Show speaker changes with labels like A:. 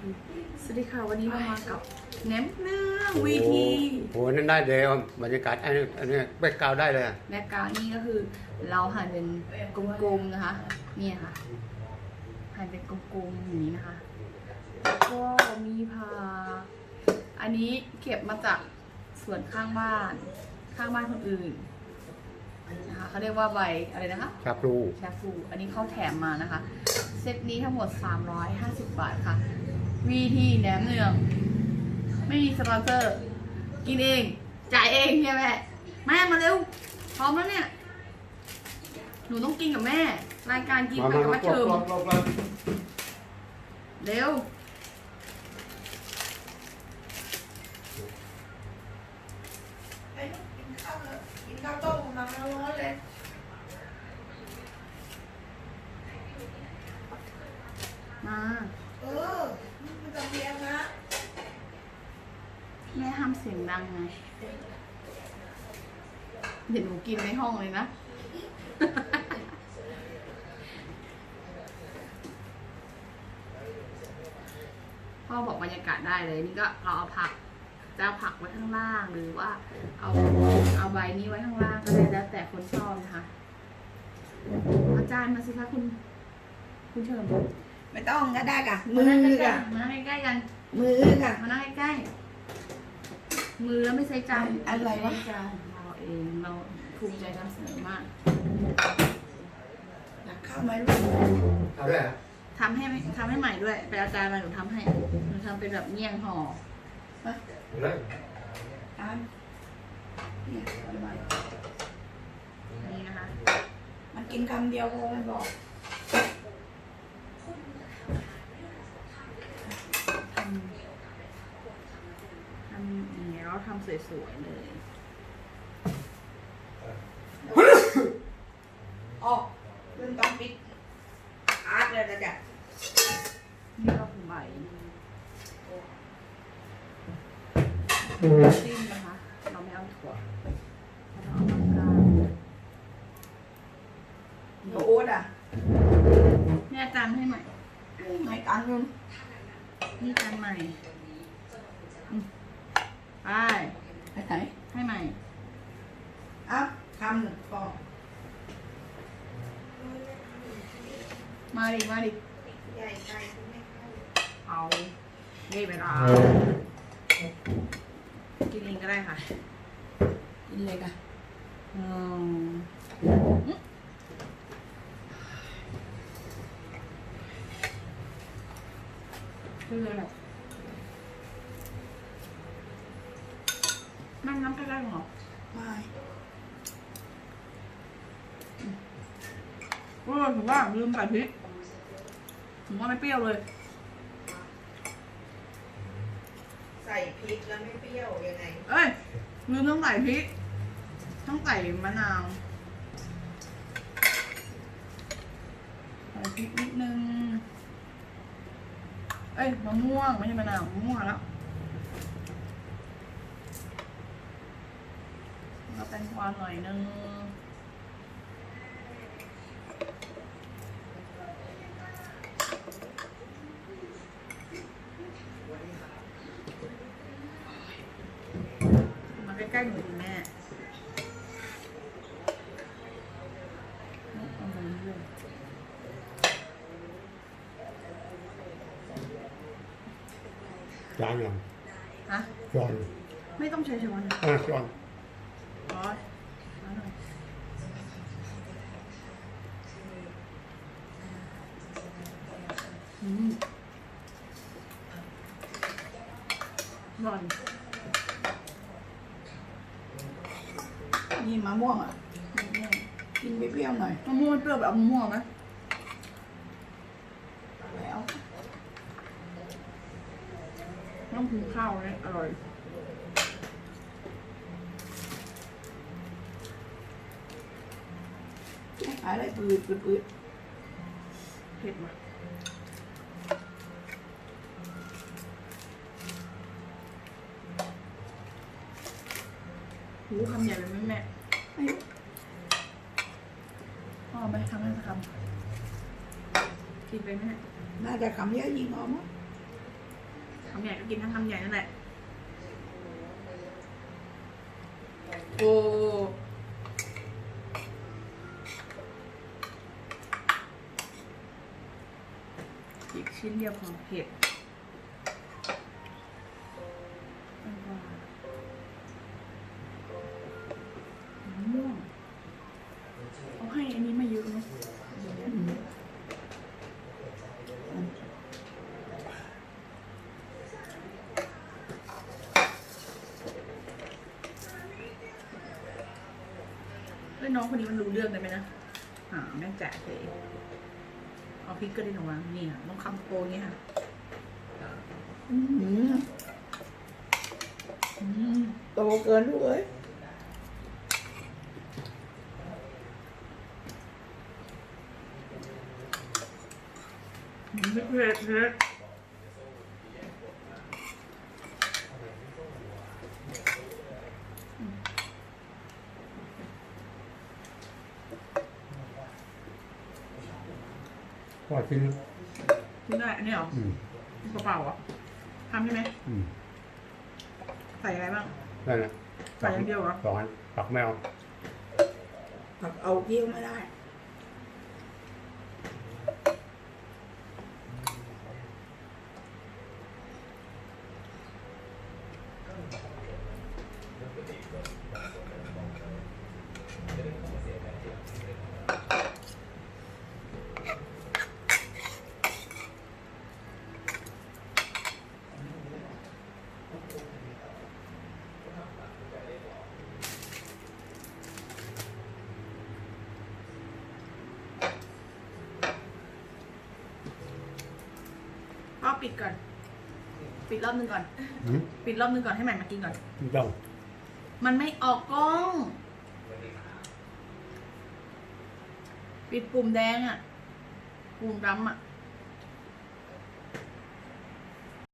A: สวัสดีค่ะวันนี้เรามากับแหนมเนืองวีที
B: โอ้โหนั่นได้เลยบรรยากาศอันนี้แบ็คกราวด์ได้เลย
A: แบ็กกราวด์นี่ก็คือเราหั่นเป็นกลมๆนะคะนี่ค่ะหั่นเป็นกลมๆอย่างนี้นะคะแล้วก็มีผักอันนี้เก็บมาจากสวนข้างบ้านคนอื่นนะคะเขาเรียกว่าใบอะไรนะคะ
B: ชาพลู
A: ชาฟูอันนี้เขาแถมมานะคะเซตนี้ทั้งหมด350 บาทค่ะวีทีแหนมเนืองไม่มีสปอนเซอร์กินเองจ่ายเองเนี่ยแม่มาเร็วพร้อมแล้วเนี่ยหนูต้องกินกับแม่รายการกินไปกับมัดเชิมเร็ว
C: กินข้าวต้มมาร้อนเลย
A: มา
C: มันจะเพียงนะ
A: แม่ห้ามเสียงดังไงเดี๋ยวหนูกินในห้องเลยนะ พ่อบอกบรรยากาศได้เลยนี่ก็เราเอาผักจะเอาผักไว้ข้างล่างหรือว่าเอาใบนี้ไว้ข้างล่างก็ได้แล้วแต่คนชอบนะคะอาจารย์มาสิคะคุณเชิญ
C: ไม่ต้องก็ได้ค่ะ
A: มื
C: มื
A: อ
C: อ
A: กั
C: ค่ะ
A: นมานั่งใกล้ๆกัน
C: มือค่ะ
A: มานั่งใกล้ๆมือแล้วไม่ใช้จาน
C: อะไรวะ
A: ม่ใช้จานเราเองเราภูมิใจนำเสนอมาก
C: ข้าวไหมลูก
B: เอาด้วย
A: ทำให้ใหม่ด้วยไปเอาจารย์มาหนูทำให้หนูทำเป็นแบบเมี่ยงห่อ
B: เลย
C: อันเนี่ยเอาไว้
A: นี่นะคะ
C: มันกินคำเดียวพอมันบอก
A: ทำอย่างเงี้ยเราทำสวยๆเลย
C: อ๋อเรื่องต้องปิดอาร์ตเลยนะจ๊ะ
A: นี่ก็คือใบจิ้มนะคะเราไม่เอาถั่วเราเอามะกรูด
C: โอ๊ตอ่ะ
A: นี่อาจารย์ให้ใหม่
C: ให้ตังค์นึง
A: นี่จานใหม่ไป
C: ให้ไหน
A: ให้ใหม่
C: อ่ะคำหนึ่งพอ
A: มาดิ
C: ใหญ่ใจไม่เข้า
A: เอานี่ไปรอกินเองก็ได้ค่ะ
C: กินเลยค่ะ
A: อืมคือแบบนั่งน้ำใกล้ๆหรอ
C: ไม่
A: ถึงว่าลืมใส่พริกถึงว่าไม่เปรี้ยวเลย
C: ใส่พริกแล้วไม่เปรี้ยวยังไง
A: เอ้ยลืมต้องใส่พริกต้องใส่มะนาวใส่พริกนิดนึงเอ้ยมะม่วงไม่ใช่มะนาวมะม่วงแล้วแตงกวาหน่อยนึงมาใกล้ๆหนูดิแม่เอาไปเรื่อย
B: จานยัง
A: ฮะ
B: จอน
A: ไม่ต้องใช้ช้อนนะ
B: จอน
A: อ๋อช้อนหน่อยอร่อย
C: นี่มะม่วงอ่ะ กินเปรี้ยวๆหน่อย
A: มะม่วงมันเปรี้ยวแบบมะม่วงไหม
C: แล้ว
A: ต้องกินข้าวเลยอร่อย
C: อะไรปืด
A: เผ็ดว่ะหูคำใหญ่เลยแม่
C: ไม่รู้
A: พ่อไม่ทำให้ทำกินไปแม่
C: น่าจะคำเยอะยิงออกมั้ง
A: ำใหญ่ก็กินทั้งคำใหญ่นั่นแหละโอ้อีกชิ้นเดียวของเห็ดม่วงเขาให้อันนี้มาเยอะเนาะน้องคนนี้มันรู้เรื่องได้ไหมนะแม่แจ๋เลยเอาพริกก็ได้หนูวางนี่ค่ะต้องคำโตนี้ค่ะ
C: โตเกินลูกเอ้ย
A: ไม่เผ็ดเลย
B: พอชิ้น
A: กินได้อันนี้เหรอเปล่าๆอ่ะทำใช่ไหมใส่อะไรบ้าง
B: นั่นแหละ
A: ใส่อย่างเดียวเหรอ
B: สองอันปักแมว
C: ผักเอาเยี่ยวไม่ได้
A: ก็ปิดก่อน ปิดรอบนึงก่อน ปิดรอบนึงก่อนให้ใหม่มากินก่อน
B: ไม่ต้อง
A: มันไม่ออกกล้อง ปิดปุ่มแดงอ่ะ ปุ่มดำอ่ะ